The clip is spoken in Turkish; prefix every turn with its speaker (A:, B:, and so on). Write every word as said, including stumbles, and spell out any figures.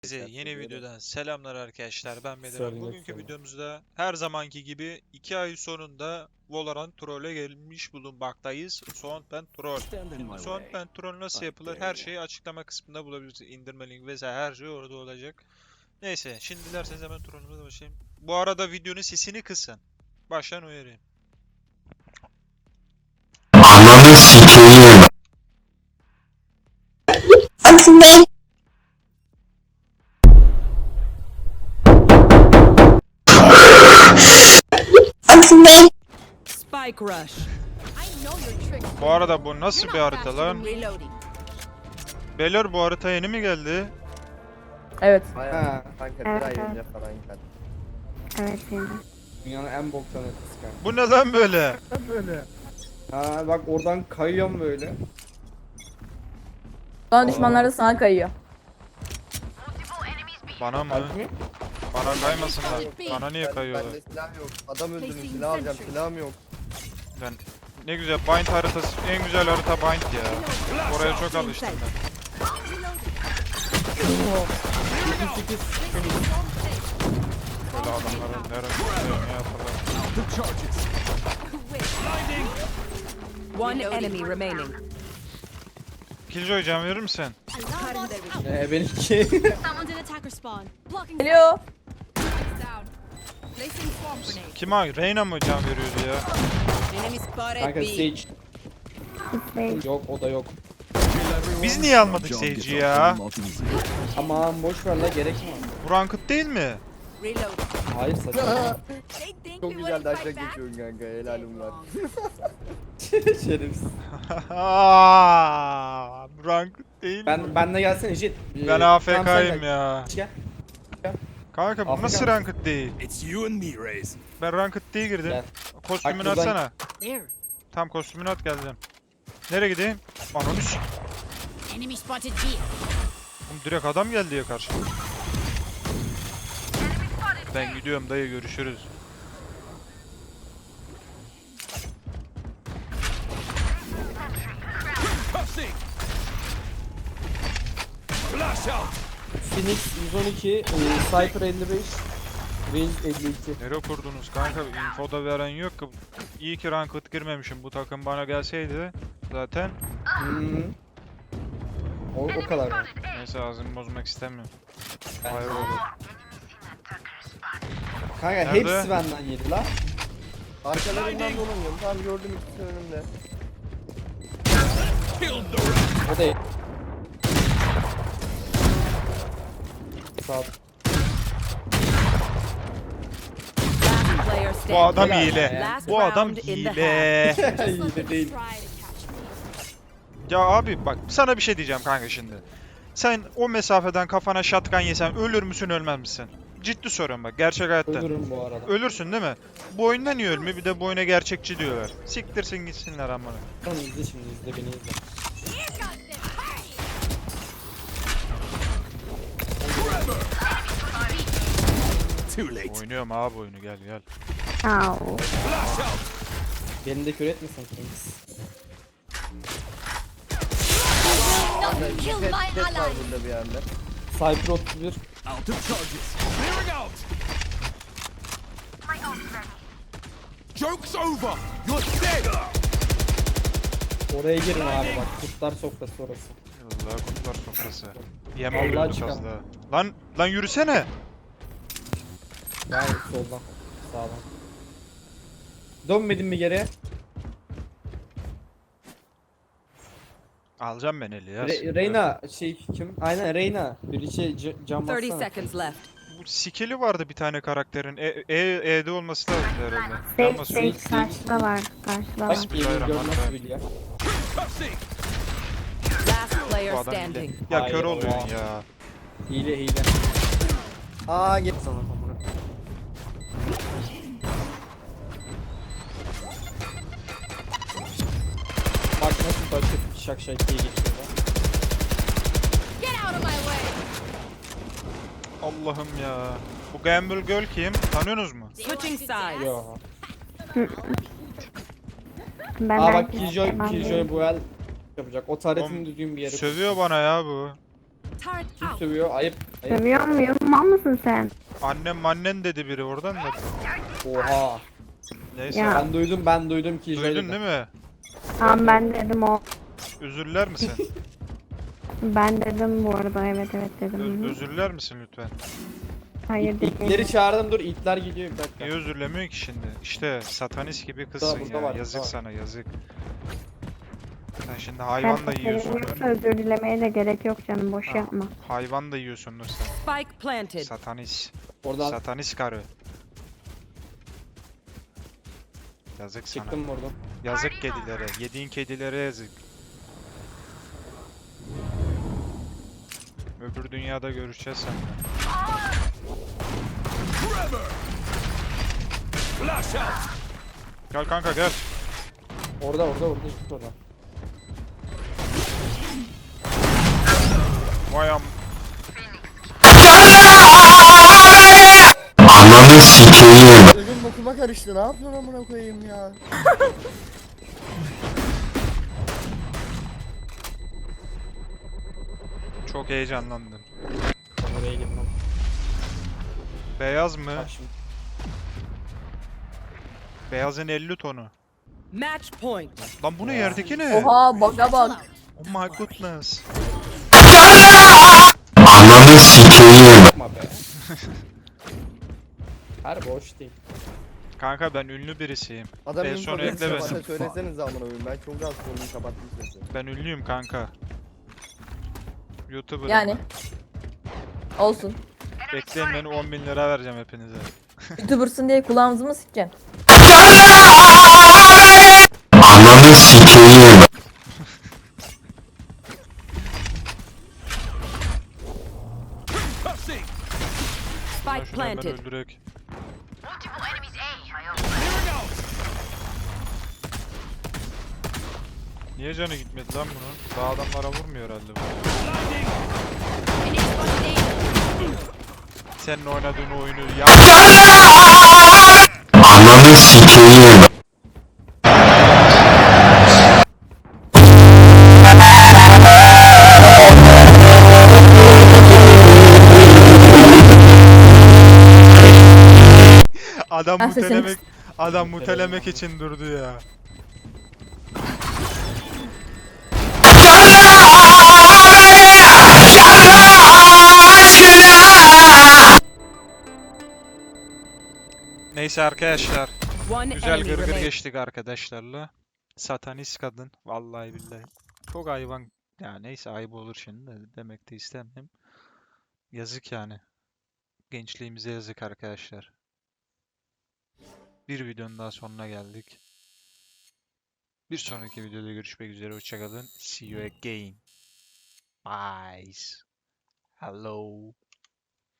A: Herkese yeni videodan selamlar arkadaşlar. Ben Bedir.
B: Söylemek
A: Bugünkü
B: istedim.
A: videomuzda her zamanki gibi iki ay sonunda Valorant Troll'e gelmiş bulunmaktayız. Soundband Troll. Şimdi Soundband Troll nasıl yapılır? Her şeyi açıklama kısmında bulabilirsiniz. İndirme link vesaire her şey orada olacak. Neyse, şimdi dilerseniz hemen Troll'ümüze başlayayım. Bu arada videonun sesini kısın. Baştan uyarayım.
C: Ananı sikeyim.
D: Oxybate. Oxybate.
E: Spike rush.
A: Bu arada bu nasıl bir harita lan?
E: Reloading.
A: Beyler, bu harita yeni mi geldi?
F: Evet.
B: Ha,
G: Kanka
D: Evet,
G: bir ay
D: evet.
G: önce falan geldi.
D: Evet şimdi.
B: dünyanın en boktan ötesi kanka.
A: Bu ne lan böyle?
B: Ha bak oradan kayıyorum böyle.
F: Sonra düşmanlar da sana kayıyor.
A: Bana mı?
B: Alp mi?
A: Bana kaymasınlar. Bana niye
G: Ben-
A: kayıyorlar?
G: Bende silah yok. Adam öldürdüm, silah alacağım, silahım yok.
A: Ben ne güzel Bind haritası, en güzel harita Bind ya. Oraya çok alıştım ben. Böyle adamların nereye ne yaparlar.
E: One enemy remaining.
A: Killjoy, can verir misin?
B: Ee benimki.
H: Someone's in attacker spawn. Blocking
F: Geliyor.
H: down. Placing swamp grenade.
A: Kim ha? Reyna mı can veriyordu ya?
E: Enemy spotted
B: Kanka
E: B.
B: Sage.
D: Oxybate.
B: Yok o da yok.
A: Biz niye almadık Sage'i ya?
B: Aman boş ver la gerek mi?
A: Bu ranked değil mi?
E: Reload.
B: Hayır saçma.
H: They think
G: Çok
H: we
G: güzel
H: wouldn't
G: daşla
H: fight back.
G: geçiyorsun kanka, helalim var.
B: Şerefsiz.
A: Aaaa, bu ranked değil mi?
B: Ben benle gelsene Jet. Ee,
A: Ben
B: tamam, sen
A: A F K'yim
B: gel.
A: ya.
B: Gel.
A: Kanka bu
B: A F K
A: nasıl
B: mısın?
A: ranked değil?
C: It's you and me, Raze.
A: Ben ranked değil girdim.
B: Gel.
A: Kostümünü
B: Bak buradan-
A: atsana.
E: There.
A: Tam kostümünü at, geleceğim. Nereye gideyim? Ananı s***.
H: Enemy spotted B.
A: Oğlum direkt adam geldi ya karşıma. Ben gidiyorum dayı, görüşürüz.
C: Cussing. Flash out.
B: Phoenix yüz on iki, e, Cypher elli beş, Range elli iki.
A: Nereye kurdunuz kanka? Info da veren yok ki. İyi ki ranked girmemişim. Bu takım bana gelseydi zaten.
B: Hmm. O, o kadar mı?
A: Neyse, ağzımı bozmak istemiyorum.
B: Ben-
A: Hayır olur.
B: Kanka
A: Nerede?
B: hepsi benden yedi la.
G: Arkalarından dolanıyorum, tamam gördüm ikisi önümde.
C: Killed the
B: O da Sağ ol.
E: Last player
A: Bu
E: standing.
A: adam
B: Helal
A: hile.
B: be.
E: Last
A: Bu adam
E: round in the
A: hile.
H: Just let
B: İyi de
H: them
B: değil.
H: try to catch me.
A: Ya abi bak, sana bir şey diyeceğim kanka şimdi. Sen o mesafeden kafana shotgun yesen ölür müsün, ölmez misin? Ciddi soruyorum bak, gerçek hayatta.
B: Ölürüm bu arada.
A: Ölürsün değil mi? Bu oyunda niye ölmüyor? Bir de bu oyuna gerçekçi diyorlar. Siktirsin gitsinler amına.
B: Tamam izle şimdi izle beni izle.
C: too late.
A: Oynuyorum abi oyunu, gel gel.
D: Au.
C: Flash out.
B: Beni de kör etmesin Kings.
H: No, kill my
G: Tek var
H: ally.
G: burada bir yerde.
B: Cypher otuz bir.
C: Out of charges. Clearing out. Joke's over. You're dead.
B: Oraya girin abi bak kurtlar sofrası orası.
A: Allah kurtlar sofrası. Yem
B: Allah
A: oluyordu
B: çıkar.
A: fazla. Lan lan yürüsene.
B: Yani soldan sağdan. Dönmedin mi geriye?
A: Alacağım ben eli ya.
B: Re- Reyna şey kim? Aynen Reyna. Bir şey c- cam
E: thirty
B: bassana.
E: seconds left.
A: Bu skill'i vardı bir tane karakterin. E, e, E'de olması lazım herhalde.
D: Sage,
A: Yanma
D: Sage
A: su.
D: karşıda var. Karşıda var.
B: Bak yemin görmez bil ya.
C: Cussing.
E: Last player
A: Bu adam hile.
E: standing.
A: Ya
B: Hayır,
A: kör oluyorsun
B: oha.
A: ya.
B: Hile hile.
G: Aa git sana.
B: Bak nasıl bakıp şak şak diye geçiyor da.
H: Get out of my way.
A: Allah'ım ya. Bu Gamble Girl kim? Tanıyorsunuz mu?
E: Switching sides.
B: Yo.
D: Ben
B: Aa bak
D: belki
B: Killjoy,
D: istemem
B: Killjoy
D: değil.
B: bu el yapacak. O taretini
A: Oğlum,
B: düzgün bir yere.
A: Sövüyor bana ya bu.
H: Turret
B: Kim
H: out.
B: sövüyor? Ayıp. Ayıp.
D: Seviyor muyum? Mal mısın sen?
A: Annem annen dedi biri oradan da.
B: Oha.
A: Neyse.
D: Ya.
B: Ben duydum ben duydum ki.
A: Duydun değil mi?
D: Tamam ben dedim o.
A: Özürler misin?
D: Ben dedim bu arada, evet evet
A: Ö-
D: dedim.
A: özürler misin lütfen?
D: Hayır
B: İtleri
D: dedim.
B: çağırdım dur itler gidiyor bir dakika.
A: Niye özürlemiyor ki şimdi? İşte satanist gibi
B: Burada,
A: kızsın
B: burada
A: ya.
B: var,
A: Yazık
B: burada var.
A: sana yazık. Sen şimdi
D: Ben
A: hayvan da yiyorsun.
D: seviyorum, özür dilemeye de gerek yok canım, boş
A: Ha,
D: yapma.
A: Hayvan da yiyorsundur sen.
E: Spike planted.
A: Satanist.
B: Oradan
A: Satanist karı. Yazık sana.
B: çıktım oradan.
A: Yazık kedilere. Yediğin kedilere yazık. Öbür dünyada görüşeceğiz seninle.
C: Flash out.
A: Gel kanka gel.
B: Orada orada orada git oradan.
A: Vay am.
G: Evim bokuma karıştı. Ne yapıyorsun amına koyayım ya?
A: Çok heyecanlandım.
B: Oraya gitmem.
A: Beyaz mı?
B: Bak şimdi.
A: Beyazın elli tonu.
E: Match point.
A: Lan bu ne yerdeki ne?
F: Oha baka bak.
A: Oh my goodness.
B: Yapma be. Her boş değil.
A: Kanka ben ünlü birisiyim.
G: Adam
A: En
G: info
A: son
G: verirse
A: ekle
G: bana
A: beni.
G: söylesenize amına koyayım. Ben çok rahat konuyu kapattım sesi.
A: Ben ünlüyüm kanka. YouTuber'ım
F: Yani.
A: ben.
F: Olsun.
A: Bekleyin beni on bin lira vereceğim hepinize.
F: YouTuber'sın diye kulağımızı mı sikeceksin?
C: Tossing.
A: Şuna
E: Spike
A: şunu hemen
E: planted.
A: öldürek.
C: Clearing out.
A: Niye canı gitmedi lan bunun? Daha adamlara vurmuyor herhalde bu.
C: Blinding.
H: Enemy spotted A.
A: Senin oynadığın oyunu ya. Adam
F: Ben sesini
A: mutelemek adam mutelemek için durdu ya. Neyse arkadaşlar.
E: One
A: Güzel
E: enemy
A: gırgır
E: remaining.
A: geçtik arkadaşlarla. Satanist kadın. Vallahi billahi. Çok hayvan. Ya neyse ayıp olur şimdi de demek de istemem. Yazık yani. Gençliğimize yazık arkadaşlar. Bir videonun daha sonuna geldik. Bir sonraki videoda görüşmek üzere. Hoşçakalın. See you again. Bye. Hello.